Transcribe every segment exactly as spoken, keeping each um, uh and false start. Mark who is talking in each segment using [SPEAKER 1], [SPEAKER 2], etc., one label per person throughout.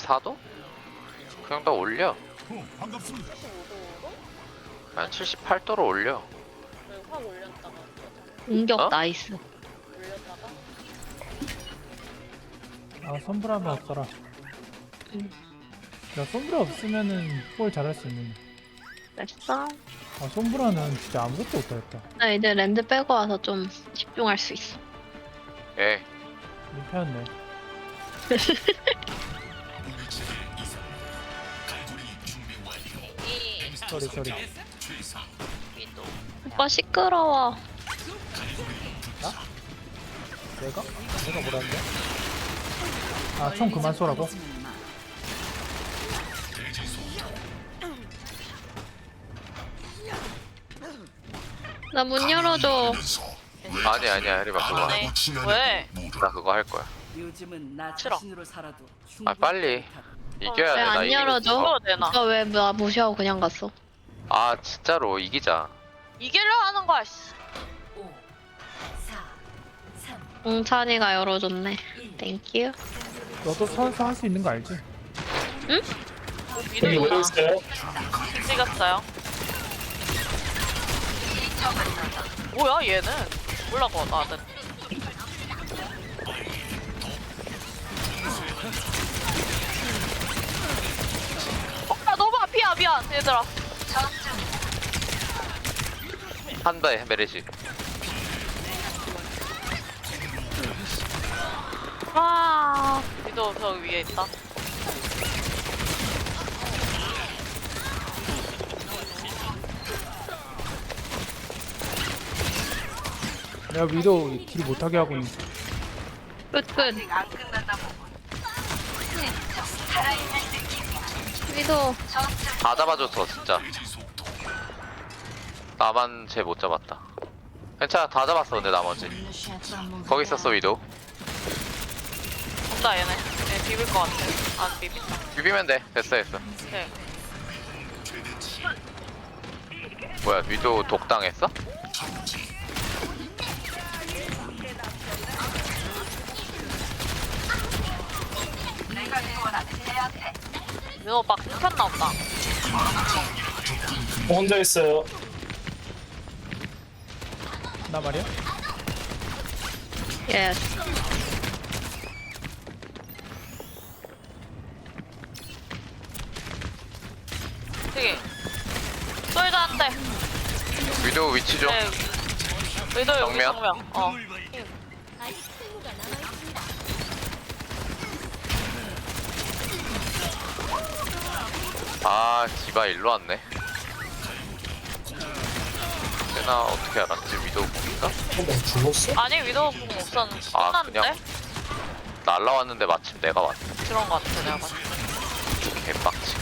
[SPEAKER 1] 칠십사 도? 그냥 더 올려.
[SPEAKER 2] 어, 반갑습니다.
[SPEAKER 3] 칠십오 도로?
[SPEAKER 1] 한 칠십팔 도로 올려.
[SPEAKER 3] 확 올렸다가
[SPEAKER 4] 공격
[SPEAKER 1] 어?
[SPEAKER 4] 나이스.
[SPEAKER 3] 올렸다가
[SPEAKER 5] 아 선브라만 없어라.
[SPEAKER 4] 응.
[SPEAKER 5] 야 선브라 없으면은 볼 잘할 수 있는데.
[SPEAKER 4] 됐어.
[SPEAKER 5] 아 선브라는 진짜 아무것도 못하겠다.
[SPEAKER 4] 나 이제 랜드 빼고 와서 좀 집중할 수 있어.
[SPEAKER 1] 예.
[SPEAKER 5] 민폐였네.
[SPEAKER 3] 이
[SPEAKER 5] 쏘리 쏘리.
[SPEAKER 3] 위도
[SPEAKER 4] 오빠 시끄러워.
[SPEAKER 5] 내가? 내가 뭐라는데? 아 총 그만 쏘라고?
[SPEAKER 4] 나 문 열어줘.
[SPEAKER 1] 아니 아니야 해리바 그거.
[SPEAKER 3] 네. 왜?
[SPEAKER 1] 나 그거 할 거야.
[SPEAKER 6] 요즘은 나
[SPEAKER 3] 싫어.
[SPEAKER 6] 자신으로 살아도
[SPEAKER 1] 아 빨리 이겨야
[SPEAKER 4] 왜
[SPEAKER 1] 돼. 나
[SPEAKER 4] 안
[SPEAKER 1] 이기고
[SPEAKER 4] 열어줘?
[SPEAKER 1] 싶어.
[SPEAKER 3] 이거 되나?
[SPEAKER 4] 오빠 왜 나 무시하고 그냥 갔어?
[SPEAKER 1] 아 진짜로 이기자.
[SPEAKER 3] 이기려 하는 거야. 씨.
[SPEAKER 4] 웅찬이가 열어줬네. 땡큐.
[SPEAKER 5] 너도 선수 할 수 있는 거 알지?
[SPEAKER 3] 위도 있나? 찍었어요. 뭐야 얘는? 몰라고 나는. 어, 나 너무 앞이야 미안 얘들아.
[SPEAKER 1] 한대 메르시.
[SPEAKER 4] 와.
[SPEAKER 3] 위도 저 위에 있다.
[SPEAKER 5] 내가 위도 딜 못하게 하고 있는.
[SPEAKER 4] 끝끝. 위도.
[SPEAKER 1] 다 잡아줬어 진짜. 나만 쟤 못 잡았다. 괜찮아 다 잡았어 근데 나머지. 거기 있었어 위도.
[SPEAKER 3] 없다 얘네. 얘 비빌 것 같아. 안 비빈다.
[SPEAKER 1] 비비면 돼. 됐어 됐어.
[SPEAKER 3] 오케이.
[SPEAKER 1] 뭐야 위도 독당했어?
[SPEAKER 3] 민호 오빠 끊겼나 보다.
[SPEAKER 7] 혼자 있어요.
[SPEAKER 5] 나 말이야?
[SPEAKER 4] 예스.
[SPEAKER 3] 되게 쏠자한테.
[SPEAKER 1] 위도 위치 좀.
[SPEAKER 3] 네. 위도 여기
[SPEAKER 1] 정면?
[SPEAKER 3] 정면. 어.
[SPEAKER 1] 아 디바 일로 왔네. 내가 어떻게 알았지? 위도 공인가?
[SPEAKER 7] 어, 죽었어?
[SPEAKER 3] 아니 위도 공 없었는데.
[SPEAKER 1] 아,
[SPEAKER 3] 끝났는데?
[SPEAKER 1] 그냥? 날라왔는데 마침 내가 왔네.
[SPEAKER 3] 그런 거 같아 내가 봤을 때.
[SPEAKER 1] 개빡치.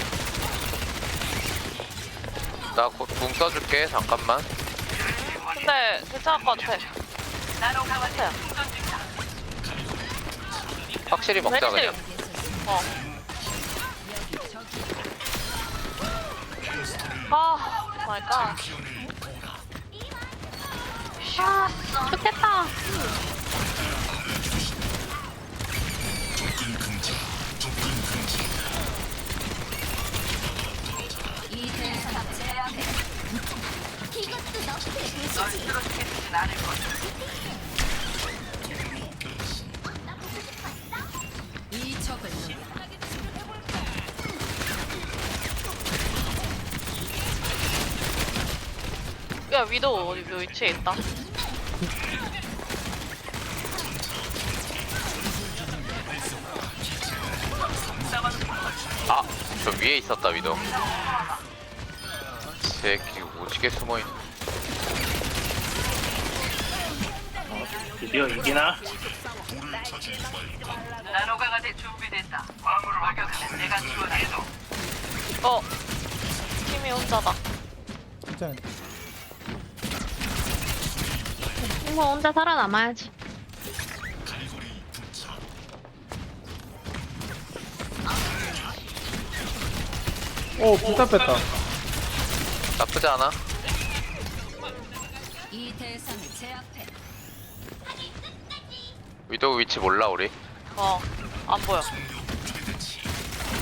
[SPEAKER 1] 나곧궁 써줄게 잠깐만.
[SPEAKER 3] 근데 괜찮을 것 같아. 같아요.
[SPEAKER 1] 확실히 먹자
[SPEAKER 3] 메리시.
[SPEAKER 1] 그냥.
[SPEAKER 3] 어. 아, 마이 갓.
[SPEAKER 4] 아, 좋겠다.
[SPEAKER 3] 야 위도 어디 위치에 있다.
[SPEAKER 1] 아, 저 위에 있었다 위도. 새끼 오지게 숨어있네.
[SPEAKER 7] 드디어 이기나?
[SPEAKER 3] 어. 팀이 혼자다.
[SPEAKER 5] 진짜.
[SPEAKER 4] 뭐 혼자 살아남아야지.
[SPEAKER 5] 오 불타 뺐다.
[SPEAKER 1] 나쁘지 않아.
[SPEAKER 6] 이 대상을 제압해.
[SPEAKER 1] 위도 위치 몰라 우리.
[SPEAKER 3] 어. 안 보여.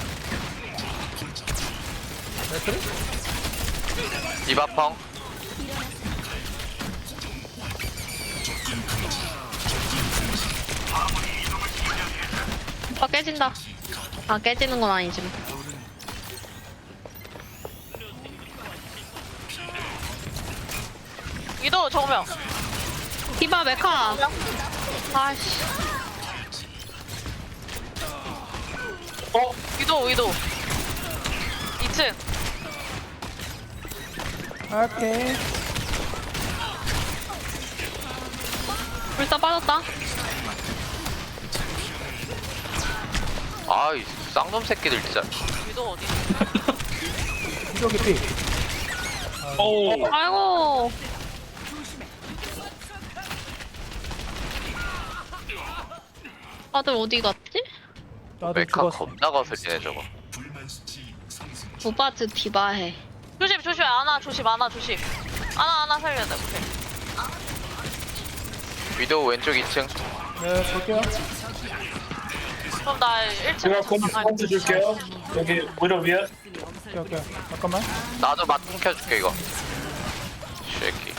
[SPEAKER 5] 그래?
[SPEAKER 1] 디바펑.
[SPEAKER 4] 오빠 깨진다. 아 깨지는 건 아니지만.
[SPEAKER 3] 위도 정명.
[SPEAKER 4] 디바 메카. 아씨.
[SPEAKER 7] 어?
[SPEAKER 3] 위도 위도. 이 층.
[SPEAKER 5] 오케이.
[SPEAKER 4] 불사 빠졌다.
[SPEAKER 1] 아이 쌍놈 새끼들 진짜.
[SPEAKER 3] 위도 어디?
[SPEAKER 5] 위도 개피.
[SPEAKER 7] 오.
[SPEAKER 4] 아이고. 다들 어디 갔지?
[SPEAKER 5] 나도
[SPEAKER 1] 메카
[SPEAKER 5] 죽었어.
[SPEAKER 1] 겁나 거슬리네 저거.
[SPEAKER 4] 오빠즈 디바해.
[SPEAKER 3] 조심 조심 아나 조심 아나 조심. 아나 아나 살려야 돼. 오케이.
[SPEAKER 1] 위도우 왼쪽 이 층.
[SPEAKER 5] 네, 볼게요.
[SPEAKER 3] 그럼 나 일 층
[SPEAKER 7] 제가 콤 콤트 줄게요. 여기 위로 위에.
[SPEAKER 5] 오케이, 오케이. 잠깐만.
[SPEAKER 1] 나도 맞 켜줄게 이거. 쉐키.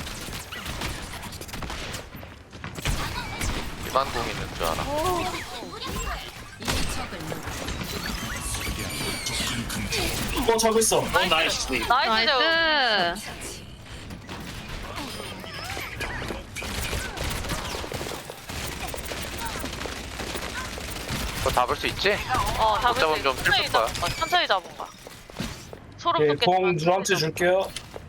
[SPEAKER 1] 기반공 있는 줄 알아.
[SPEAKER 7] 어 저기 있어. 어 나이스.
[SPEAKER 3] 나이스.
[SPEAKER 4] 나이스.
[SPEAKER 1] 그거 잡을 수 있지?
[SPEAKER 3] 어 잡을
[SPEAKER 1] 잡으면
[SPEAKER 3] 수
[SPEAKER 1] 좀
[SPEAKER 3] 있어. 천천히
[SPEAKER 1] 슬플 거야.
[SPEAKER 3] 잡은 거야. 천천히 잡은 거야. 소름
[SPEAKER 7] 오케이, 공
[SPEAKER 3] 돋겠지만.
[SPEAKER 7] 누한테 줄게요.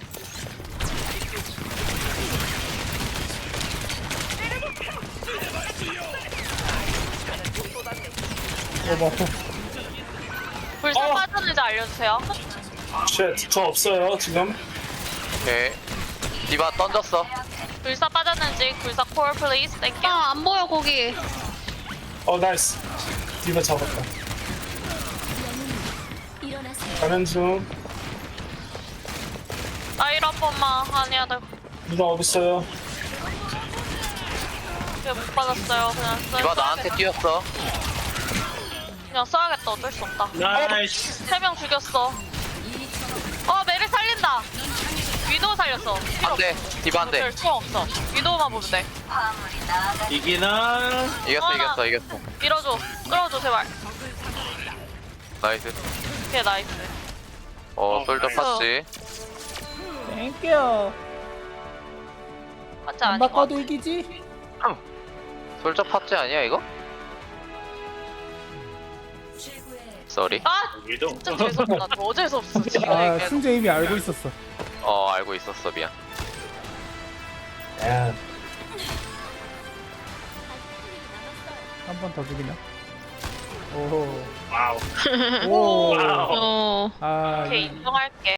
[SPEAKER 5] 어머.
[SPEAKER 3] 불사
[SPEAKER 7] 어.
[SPEAKER 3] 빠졌는지 알려주세요.
[SPEAKER 7] 쉣, 저 없어요 지금.
[SPEAKER 1] 오케이. 디바 던졌어.
[SPEAKER 3] 불사 빠졌는지 불사 콜 플리즈 땡큐.
[SPEAKER 4] 아 안 보여 거기.
[SPEAKER 7] 어 나이스. 디바 잡았다. 가는 중.
[SPEAKER 3] 나일 한 번만 아니야 나
[SPEAKER 7] 누나 어디 있어요?
[SPEAKER 3] 그냥 못 받았어요. 그냥 써.
[SPEAKER 1] 디바 나한테 뛰었어.
[SPEAKER 3] 그냥 써야겠다. 어쩔 수 없다.
[SPEAKER 7] 나이스.
[SPEAKER 3] 세 명 죽였어. 어 메리 살린다. 위도우 살렸어. 필요
[SPEAKER 1] 안돼. 디바 안돼.
[SPEAKER 3] 어쩔 수 없어. 위도우만 보면 돼.
[SPEAKER 7] 이기나?
[SPEAKER 1] 이겼어
[SPEAKER 3] 아.
[SPEAKER 1] 이겼어 이겼어.
[SPEAKER 3] 밀어줘. 끌어줘 제발.
[SPEAKER 1] 나이스.
[SPEAKER 3] 오케이 나이스.
[SPEAKER 1] 어 솔더 팠지.
[SPEAKER 5] 땡큐.
[SPEAKER 3] 맞지
[SPEAKER 5] 안
[SPEAKER 3] 아닌 것
[SPEAKER 5] 바꿔도 이기지?
[SPEAKER 1] 솔저 팠지 아니야 이거? 쏘리.
[SPEAKER 3] 아 진짜 재수없다. 저 어제서 없어 지금.
[SPEAKER 5] 아,
[SPEAKER 3] 이게.
[SPEAKER 5] 승재 이미 알고 있었어.
[SPEAKER 1] 어 알고 있었어 미안.
[SPEAKER 7] 야.
[SPEAKER 5] 한 번 더 죽이나? 오.
[SPEAKER 7] 와우.
[SPEAKER 5] 오.
[SPEAKER 7] 와우.
[SPEAKER 4] 어.
[SPEAKER 5] 아,
[SPEAKER 3] 오케이
[SPEAKER 5] 이-
[SPEAKER 3] 인정할게.